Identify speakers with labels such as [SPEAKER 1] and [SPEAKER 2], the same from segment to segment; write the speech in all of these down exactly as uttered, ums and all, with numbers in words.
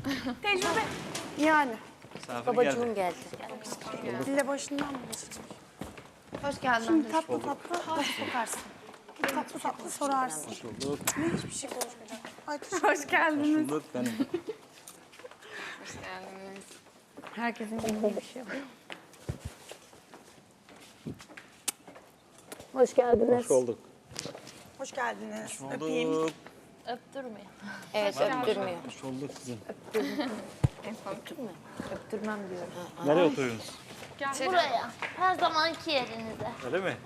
[SPEAKER 1] Tecrübe. Yani.
[SPEAKER 2] Babacığım geldi.
[SPEAKER 1] Dile başından mı başlayacak?
[SPEAKER 3] Hoş geldin.
[SPEAKER 1] Şimdi tatlı tatlı nasıl sokarsın? Tatlı tatlı sorarsın. Ne hiçbir şey konuşmayacak. Ay,
[SPEAKER 3] Hoş geldiniz.
[SPEAKER 4] Bulduk benim.
[SPEAKER 3] Hoş geldiniz. Herkesin bildiği bir şey var.
[SPEAKER 2] Hoş geldiniz.
[SPEAKER 4] Hoş olduk.
[SPEAKER 1] hoş geldiniz.
[SPEAKER 4] Hoş
[SPEAKER 1] Öpeyim.
[SPEAKER 4] bulduk.
[SPEAKER 5] Öptürmeyin.
[SPEAKER 2] Evet, öptürmüyor.
[SPEAKER 4] Hoş bulduk kızım.
[SPEAKER 3] Öptürmem diyorum.
[SPEAKER 4] Nereye oturuyorsunuz?
[SPEAKER 5] Buraya. Her zamanki yerinize.
[SPEAKER 4] Öyle mi?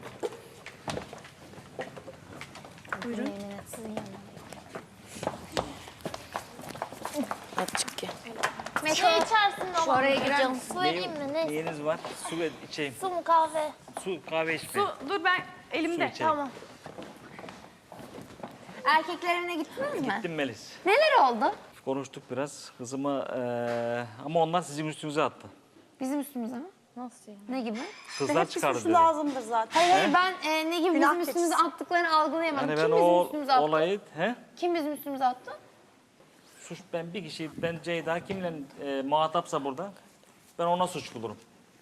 [SPEAKER 5] Buyurun. Sizin yanına.
[SPEAKER 2] Açık ki.
[SPEAKER 5] Şey içersin ama.
[SPEAKER 3] oraya girer
[SPEAKER 5] Canım, su vereyim mi? Ne?
[SPEAKER 4] Neyiniz var? Su ver, içeyim.
[SPEAKER 5] Su mu kahve?
[SPEAKER 4] Su, kahve içme.
[SPEAKER 3] Su, dur ben
[SPEAKER 4] Su
[SPEAKER 3] elimde.
[SPEAKER 4] içeyim.
[SPEAKER 5] Tamam.
[SPEAKER 3] Erkekler evine gittiniz mi?
[SPEAKER 4] Gittim Melis.
[SPEAKER 3] Neler oldu?
[SPEAKER 4] Konuştuk biraz. Kızıma eee, ama onlar sizin üstünüze attı.
[SPEAKER 3] Bizim üstümüze mi?
[SPEAKER 5] Nasıl yani?
[SPEAKER 3] Ne gibi?
[SPEAKER 4] Kızlar
[SPEAKER 1] Hepsi
[SPEAKER 4] çıkardı
[SPEAKER 1] suçu
[SPEAKER 4] dedi.
[SPEAKER 1] lazımdır zaten.
[SPEAKER 3] Hayır hayır ben e, ne gibi
[SPEAKER 1] Günah
[SPEAKER 3] bizim üstümüze
[SPEAKER 1] keçisi.
[SPEAKER 3] attıklarını algılayamadım.
[SPEAKER 4] Yani
[SPEAKER 3] Kim
[SPEAKER 4] ben
[SPEAKER 3] bizim
[SPEAKER 4] o
[SPEAKER 3] üstümüze attı?
[SPEAKER 4] olayı, he?
[SPEAKER 3] Kim bizim üstümüze attı?
[SPEAKER 4] Suç ben bir kişi, ben Ceyda kimle e, muhatapsa burada, ben ona suç bulurum.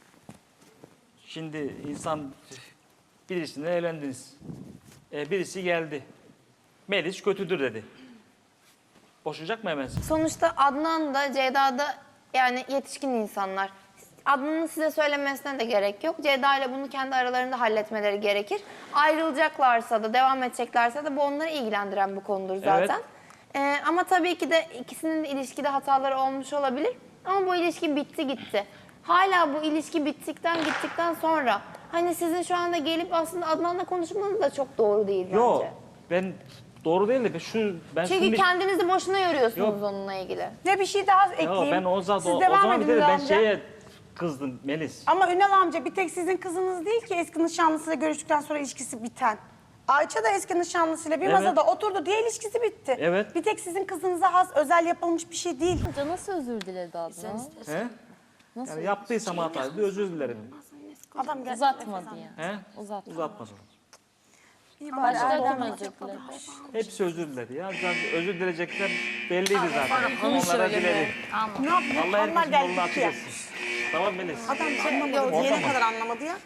[SPEAKER 4] Şimdi insan birisiyle evlendiniz. E, birisi geldi. Melis kötüdür dedi. Boşayacak mı hemen?
[SPEAKER 3] Sonuçta Adnan da Ceyda da yani yetişkin insanlar. Adnan'ın size söylemesine de gerek yok. Ceyda ile bunu kendi aralarında halletmeleri gerekir. Ayrılacaklarsa da, devam edeceklerse de bu onları ilgilendiren bir konudur zaten. Ee, ama tabii ki de ikisinin de ilişkide hataları olmuş olabilir. Ama bu ilişki bitti gitti. Hala bu ilişki bittikten gittikten sonra hani sizin şu anda gelip aslında Adnan'la konuşmanız da çok doğru değil bence.
[SPEAKER 4] Yok, ben doğru değil de ben şu ben
[SPEAKER 3] Çünkü
[SPEAKER 4] şimdi
[SPEAKER 3] kendinizi boşuna yoruyorsunuz
[SPEAKER 4] Yok.
[SPEAKER 3] onunla ilgili.
[SPEAKER 1] Ne bir şey daha ekleyeyim.
[SPEAKER 4] ya ben o zaman
[SPEAKER 1] Siz
[SPEAKER 4] o, o
[SPEAKER 1] devam
[SPEAKER 4] zaman
[SPEAKER 1] edin
[SPEAKER 4] bir de
[SPEAKER 1] Ünal
[SPEAKER 4] ben
[SPEAKER 1] amca.
[SPEAKER 4] şeye kızdım Melis.
[SPEAKER 1] Ama Ünal amca bir tek sizin kızınız değil ki eski nişanlısıyla görüştükten sonra ilişkisi biten. Ayça da eski nişanlısıyla bir
[SPEAKER 4] Evet.
[SPEAKER 1] masada oturdu diye ilişkisi bitti.
[SPEAKER 4] Evet.
[SPEAKER 1] Bir tek sizin kızınıza has özel yapılmış bir şey değil.
[SPEAKER 5] Amca nasıl özür diledi Adnan?
[SPEAKER 4] He? Yani yaptıysam hataydı özür dilerim.
[SPEAKER 1] Adam geldi.
[SPEAKER 5] Uzatmadı yani.
[SPEAKER 4] He?
[SPEAKER 5] Uzatma.
[SPEAKER 4] Uzatmasın.
[SPEAKER 5] Başta kim özür diledi?
[SPEAKER 4] Hepsi özür diledi ya. Zaten özür dilecekler belliydi zaten. Onlara dilerim.
[SPEAKER 1] Ne yapıyor?
[SPEAKER 4] Allah
[SPEAKER 1] Onlar
[SPEAKER 4] herkesin
[SPEAKER 1] geldi
[SPEAKER 4] yolunu açık
[SPEAKER 1] gitti ya.
[SPEAKER 4] etsin. Tamam Melis.
[SPEAKER 1] Adam anlamadı. Diyene kadar anlamadı ya.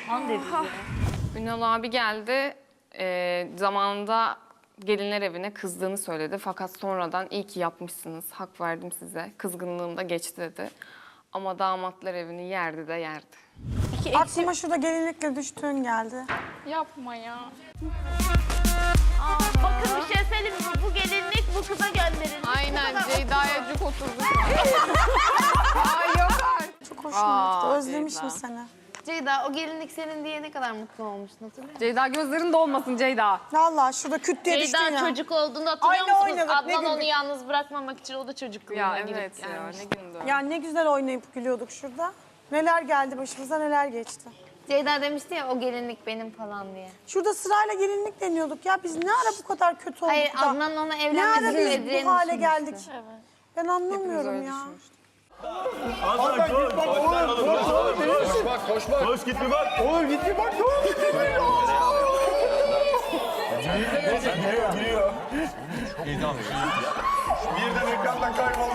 [SPEAKER 6] Ünal abi geldi. Ee, zamanında gelinler evine kızdığını söyledi. Fakat sonradan iyi ki yapmışsınız. Hak verdim size. Kızgınlığım da geçti dedi. Ama damatlar evini yerdi de yerdi.
[SPEAKER 1] Aklıma şurada gelinlikle düştüğün geldi.
[SPEAKER 6] Yapma ya.
[SPEAKER 5] Bakın bir şey söyleyeyim mi? Bu gelinlik bu kıza gönderilmiş.
[SPEAKER 6] Aynen Ceyda'ya cuk oturdu.
[SPEAKER 1] Çok hoşuma gitti.
[SPEAKER 6] Aa,
[SPEAKER 1] Özlemişim
[SPEAKER 6] Ceyda.
[SPEAKER 1] seni.
[SPEAKER 3] Ceyda o gelinlik senin diye ne kadar mutlu olmuştun hatırlıyor musun?
[SPEAKER 6] Ceyda gözlerin dolmasın Ceyda.
[SPEAKER 1] Vallahi şurada küt diye düştün
[SPEAKER 5] Ceyda
[SPEAKER 1] ya.
[SPEAKER 5] çocuk olduğunda hatırlıyor
[SPEAKER 1] Aynı
[SPEAKER 5] musunuz?
[SPEAKER 1] oynadık, ne
[SPEAKER 5] Adnan onu
[SPEAKER 1] güldük.
[SPEAKER 5] yalnız bırakmamak için o da çocukluğuna
[SPEAKER 6] Ya
[SPEAKER 5] girip
[SPEAKER 6] evet ya
[SPEAKER 5] gelmiş.
[SPEAKER 6] ne gündü.
[SPEAKER 1] Ya ne güzel oynayıp gülüyorduk şurada. Neler geldi başımıza neler geçti.
[SPEAKER 3] Ceyda demişti ya o gelinlik benim falan diye.
[SPEAKER 1] Şurada sırayla gelinlik deniyorduk ya. Biz ne ara bu kadar kötü olduk
[SPEAKER 3] Hayır
[SPEAKER 1] da.
[SPEAKER 3] Adnan ona
[SPEAKER 1] Ne ara
[SPEAKER 3] evlenmesini
[SPEAKER 1] biz
[SPEAKER 3] beklediğini
[SPEAKER 1] bu hale
[SPEAKER 3] düşünmüştü.
[SPEAKER 1] geldik. Ben anlamıyorum ya.
[SPEAKER 7] Koş git bir bak. Oğlum git bir bak. Oğlum git bir bak. Giriyor, giriyor. Birden ekrandan kayboldu.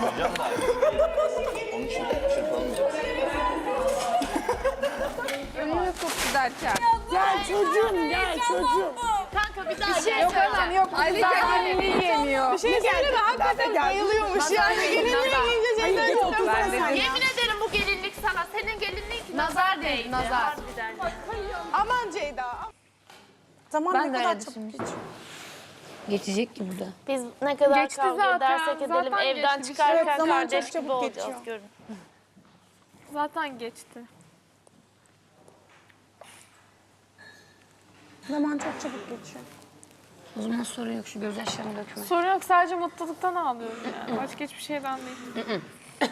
[SPEAKER 6] Önüne koptu derken.
[SPEAKER 1] Gel çocuğum gel çocuğum.
[SPEAKER 5] Kanka bir daha gel.
[SPEAKER 6] Yok anam yok. Ayrıca gelinliği yemiyor.
[SPEAKER 1] Bir şey söyle de hakikaten bayılıyormuş yani. Gelinliğe giyince
[SPEAKER 6] Hayır,
[SPEAKER 1] şeyden
[SPEAKER 6] geç
[SPEAKER 1] otur.
[SPEAKER 6] otur sen de.
[SPEAKER 5] Yemin ederim bu gelinlik sana. Senin gelinliğin ki nazar değdi.
[SPEAKER 3] nazar.
[SPEAKER 5] Harbiden.
[SPEAKER 1] Aman Ceyda. Zaman
[SPEAKER 3] Ben
[SPEAKER 1] ne
[SPEAKER 3] de
[SPEAKER 1] kadar
[SPEAKER 3] öyle
[SPEAKER 1] çabuk
[SPEAKER 3] düşünmüştüm.
[SPEAKER 1] geçiyor.
[SPEAKER 2] Geçecek ki bu da.
[SPEAKER 5] Biz ne kadar
[SPEAKER 6] Geçti
[SPEAKER 5] kavga
[SPEAKER 6] zaten,
[SPEAKER 5] edersek edelim
[SPEAKER 6] zaten
[SPEAKER 5] evden
[SPEAKER 6] geçti.
[SPEAKER 5] çıkarken
[SPEAKER 1] Evet, zaman çok
[SPEAKER 5] kardeş gibi
[SPEAKER 1] çabuk
[SPEAKER 5] olacağız.
[SPEAKER 1] geçiyor.
[SPEAKER 5] Görün.
[SPEAKER 6] Zaten geçti.
[SPEAKER 1] Zaman çok çabuk geçiyor.
[SPEAKER 2] O zaman sorun yok, şu gözyaşlarını dökme.
[SPEAKER 6] Sorun yok sadece mutluluktan ağlıyorum yani. Başka hiçbir şeyden değil.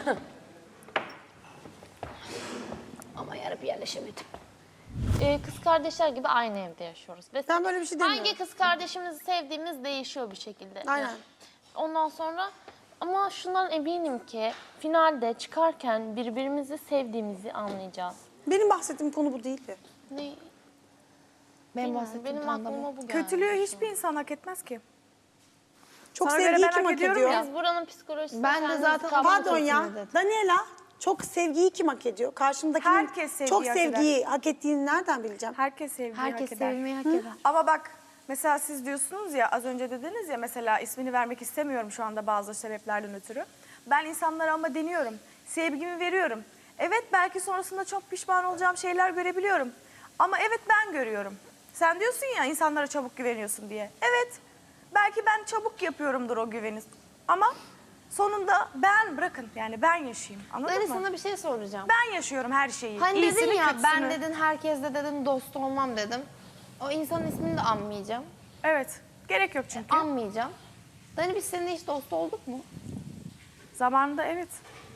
[SPEAKER 2] Ama yarı bir yerleşemedim.
[SPEAKER 5] Ee, kız kardeşler gibi aynı evde yaşıyoruz. Ve
[SPEAKER 1] Ben böyle bir şey demiyorum.
[SPEAKER 5] hangi kız kardeşimizi sevdiğimiz değişiyor bir şekilde.
[SPEAKER 1] Aynen.
[SPEAKER 5] Ondan sonra ama şundan eminim ki finalde çıkarken birbirimizi sevdiğimizi anlayacağız.
[SPEAKER 1] Benim bahsettiğim konu bu değildi.
[SPEAKER 5] Ne?
[SPEAKER 3] Benim
[SPEAKER 5] Bilmiyorum,
[SPEAKER 3] bahsettiğim
[SPEAKER 5] benim
[SPEAKER 3] konuda bu.
[SPEAKER 5] aklıma bu geldi.
[SPEAKER 8] Kötülüğü hiçbir insan hak etmez ki.
[SPEAKER 1] Çok
[SPEAKER 8] Sana göre
[SPEAKER 1] sevgiyi
[SPEAKER 8] ben
[SPEAKER 1] kim
[SPEAKER 8] hak
[SPEAKER 1] hak
[SPEAKER 8] ediyorum
[SPEAKER 1] ediyor?
[SPEAKER 8] ya.
[SPEAKER 5] Biz buranın psikolojisini
[SPEAKER 3] Ben de
[SPEAKER 5] kendimiz
[SPEAKER 3] zaten-
[SPEAKER 5] kavrayacağız.
[SPEAKER 1] Pardon ya.
[SPEAKER 3] Kesinlikle dedim.
[SPEAKER 1] Daniela, çok sevgiyi kim hak ediyor? Karşımdakinin
[SPEAKER 8] Herkes sevgiyi
[SPEAKER 1] çok
[SPEAKER 8] hak eder.
[SPEAKER 1] sevgiyi hak ettiğini nereden bileceğim?
[SPEAKER 8] Herkes sevgiyi
[SPEAKER 3] Herkes
[SPEAKER 8] hak eder.
[SPEAKER 3] sevilmeyi hak eder.
[SPEAKER 8] Ama bak mesela siz diyorsunuz ya, az önce dediniz ya, mesela ismini vermek istemiyorum şu anda bazı sebeplerden ötürü. Ben insanlara ama deniyorum. Sevgimi veriyorum. Evet, belki sonrasında çok pişman olacağım şeyler görebiliyorum. Ama evet, ben görüyorum. Sen diyorsun ya insanlara çabuk güveniyorsun diye. Evet, belki ben çabuk yapıyorumdur o güveni. Ama sonunda ben, bırakın yani ben yaşayayım. Anladın
[SPEAKER 3] Dani
[SPEAKER 8] mı?
[SPEAKER 3] sana bir şey soracağım.
[SPEAKER 8] Ben yaşıyorum her şeyi.
[SPEAKER 3] Hani
[SPEAKER 8] İyisini,
[SPEAKER 3] dedin ya ben
[SPEAKER 8] kötüsünü.
[SPEAKER 3] dedin herkesle dedin dost olmam dedim. O insanın ismini de anmayacağım.
[SPEAKER 8] Evet, gerek yok çünkü.
[SPEAKER 3] Anmayacağım. Dani biz seninle hiç dost olduk mu?
[SPEAKER 8] Zamanında evet.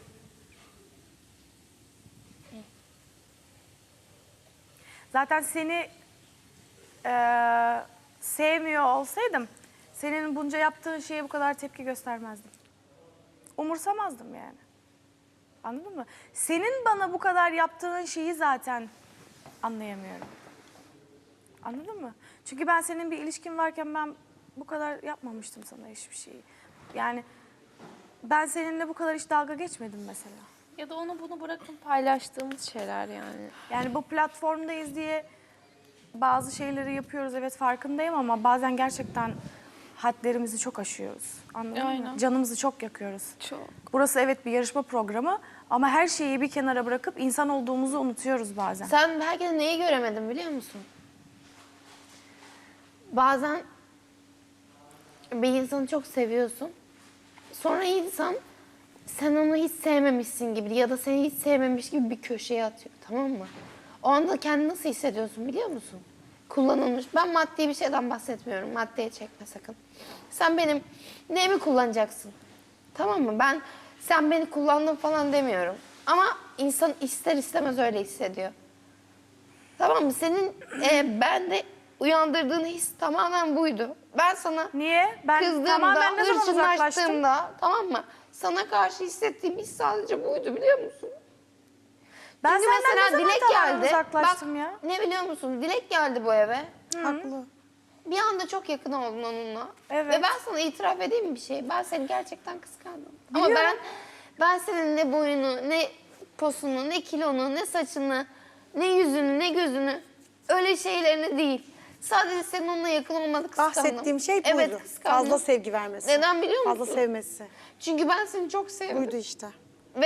[SPEAKER 8] Zaten seni eee, sevmiyor olsaydım senin bunca yaptığın şeye bu kadar tepki göstermezdim. Umursamazdım yani. Anladın mı? Senin bana bu kadar yaptığın şeyi zaten anlayamıyorum. Anladın mı? Çünkü ben senin bir ilişkin varken ben bu kadar yapmamıştım sana hiçbir şeyi. Yani ben seninle bu kadar hiç dalga geçmedim mesela.
[SPEAKER 5] Ya da onu bunu bırakın paylaştığımız şeyler yani.
[SPEAKER 8] Yani bu platformdayız diye bazı şeyleri yapıyoruz, evet farkındayım, ama bazen gerçekten hadlerimizi çok aşıyoruz. Anladın mı?
[SPEAKER 5] Aynen.
[SPEAKER 8] Canımızı çok yakıyoruz.
[SPEAKER 5] Çok.
[SPEAKER 8] Burası evet bir yarışma programı ama her şeyi bir kenara bırakıp insan olduğumuzu unutuyoruz bazen.
[SPEAKER 3] Sen belki de neyi göremedin biliyor musun? Bazen bir insanı çok seviyorsun. Sonra insan sen onu hiç sevmemişsin gibi ya da seni hiç sevmemiş gibi bir köşeye atıyor, tamam mı? O anda kendini nasıl hissediyorsun biliyor musun? Kullanılmış. Ben maddi bir şeyden bahsetmiyorum. Maddeye çekme sakın. Sen benim neyimi kullanacaksın? Tamam mı? Ben sen beni kullandın falan demiyorum. Ama insan ister istemez öyle hissediyor. Tamam mı? Senin e, bende uyandırdığın his tamamen buydu. Ben sana
[SPEAKER 8] Niye? Ben
[SPEAKER 3] kızdığımda,
[SPEAKER 8] tamamen ne zaman uzaklaştım?
[SPEAKER 3] hırçınlaştığımda, tamam mı? Sana karşı hissettiğim his sadece buydu biliyor musun?
[SPEAKER 8] Ben
[SPEAKER 3] Çünkü
[SPEAKER 8] senden ne zaman
[SPEAKER 3] Dilek
[SPEAKER 8] tamamen
[SPEAKER 3] geldi.
[SPEAKER 8] uzaklaştım
[SPEAKER 3] Bak,
[SPEAKER 8] ya?
[SPEAKER 3] ne biliyor musun? Dilek geldi bu eve.
[SPEAKER 1] Haklı.
[SPEAKER 3] Bir anda çok yakın oldun onunla.
[SPEAKER 8] Evet.
[SPEAKER 3] Ve ben sana itiraf edeyim bir şey. Ben seni gerçekten kıskandım. Ama ben ben senin ne boyunu, ne posunu, ne kilonu, ne saçını, ne yüzünü, ne gözünü, öyle şeylerini değil. Sadece senin onunla yakın olmanı kıskandım.
[SPEAKER 1] Bahsettiğim şey buydu.
[SPEAKER 3] Evet, kıskandım.
[SPEAKER 1] Fazla sevgi vermesi.
[SPEAKER 3] Neden biliyor musun?
[SPEAKER 1] Fazla sevmesi.
[SPEAKER 3] Çünkü ben seni çok sevdim.
[SPEAKER 1] Buydu işte.
[SPEAKER 3] Ve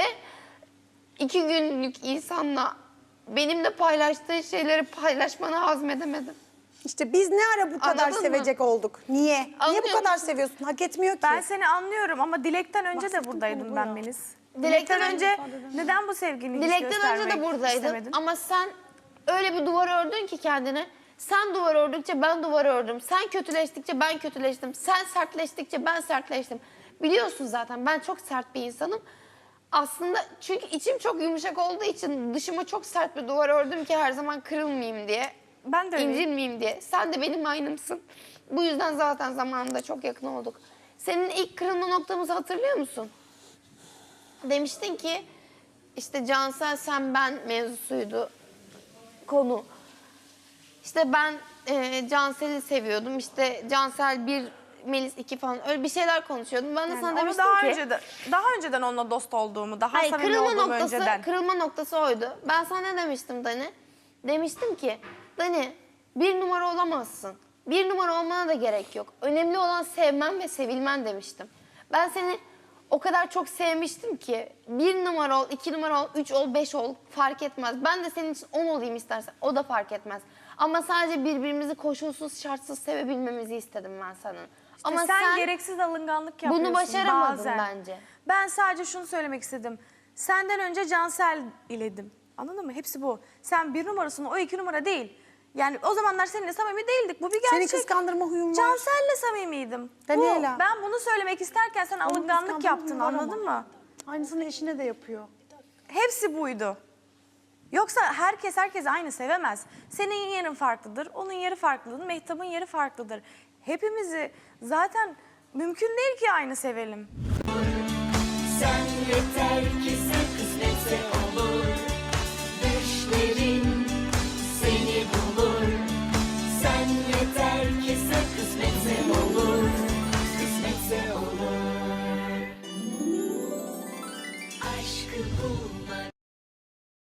[SPEAKER 3] iki günlük insanla benimle paylaştığı şeyleri paylaşmanı hazmedemedim.
[SPEAKER 1] İşte biz ne ara bu kadar
[SPEAKER 3] Anladın mı?
[SPEAKER 1] sevecek olduk? Niye? Niye
[SPEAKER 3] Anlıyor
[SPEAKER 1] bu kadar
[SPEAKER 3] musun?
[SPEAKER 1] seviyorsun? Hak etmiyor ki.
[SPEAKER 8] Ben seni anlıyorum ama Dilek'ten önce de
[SPEAKER 1] Bahsettiğim
[SPEAKER 8] buradaydım
[SPEAKER 1] konu bu
[SPEAKER 8] ben
[SPEAKER 1] ya.
[SPEAKER 8] Melis.
[SPEAKER 3] Dilek'ten
[SPEAKER 8] Dilek'ten
[SPEAKER 3] önce-
[SPEAKER 8] önce neden bu sevgini hiç
[SPEAKER 3] Dilekten önce de
[SPEAKER 8] göstermek
[SPEAKER 3] buradaydın
[SPEAKER 8] istemedin?
[SPEAKER 3] ama sen öyle bir duvar ördün ki kendine. Sen duvar ördükçe ben duvar ördüm. Sen kötüleştikçe ben kötüleştim. Sen sertleştikçe ben sertleştim. Biliyorsun zaten ben çok sert bir insanım. Aslında çünkü içim çok yumuşak olduğu için dışıma çok sert bir duvar ördüm ki her zaman kırılmayayım diye.
[SPEAKER 8] Ben de öyleyim.
[SPEAKER 3] İncinmeyeyim diye. Sen de benim aynımsın. Bu yüzden zaten zamanında çok yakın olduk. Senin ilk kırılma noktamızı hatırlıyor musun? Demiştin ki işte Cansel sen ben mevzusuydu konu. İşte ben e, Cansel'i seviyordum. İşte Cansel bir, Melis iki falan öyle bir şeyler konuşuyordum. Ben de sana
[SPEAKER 8] Onu
[SPEAKER 3] demiştim
[SPEAKER 8] daha
[SPEAKER 3] ki...
[SPEAKER 8] önce daha önceden onunla dost olduğumu, daha
[SPEAKER 3] Hayır,
[SPEAKER 8] samimi
[SPEAKER 3] kırılma
[SPEAKER 8] olduğumu
[SPEAKER 3] noktası,
[SPEAKER 8] önceden.
[SPEAKER 3] kırılma noktası oydu. Ben sana ne demiştim Dani? Demiştim ki, Dani bir numara olamazsın. Bir numara olmana da gerek yok. Önemli olan sevmen ve sevilmen demiştim. Ben seni o kadar çok sevmiştim ki bir numara ol, iki numara ol, üç ol, beş ol fark etmez. Ben de senin için on olayım istersen o da fark etmez. Ama sadece birbirimizi koşulsuz şartsız sevebilmemizi istedim ben senin. Ama
[SPEAKER 8] sen, sen gereksiz alınganlık yapıyorsun
[SPEAKER 3] bunu başaramadın
[SPEAKER 8] bazen.
[SPEAKER 3] bence.
[SPEAKER 8] Ben sadece şunu söylemek istedim. Senden önce Cansel iledim. Anladın mı? Hepsi bu. Sen bir numarasın, o iki numara değil. Yani o zamanlar seninle samimi değildik. Bu bir gerçek.
[SPEAKER 1] Seni kıskandırma huyum var.
[SPEAKER 8] Cansel'le samimiydim.
[SPEAKER 1] Daniela.
[SPEAKER 8] Bu. Ben bunu söylemek isterken sen
[SPEAKER 1] Onun
[SPEAKER 8] alınganlık
[SPEAKER 1] kıskandırma
[SPEAKER 8] yaptın,
[SPEAKER 1] huyu var ama.
[SPEAKER 8] anladın mı?
[SPEAKER 1] Aynısını eşine de yapıyor.
[SPEAKER 8] Hepsi buydu. Yoksa herkes herkes aynı sevemez. Senin yerin farklıdır, onun yeri farklıdır, Mehtap'ın yeri farklıdır. Hepimizi zaten mümkün değil ki aynı sevelim.
[SPEAKER 9] Sen yeter ki sen kısmetse olur. Düşlerin seni bulur. Sen yeter ki sen kısmetse olur. Kısmetse bulmaca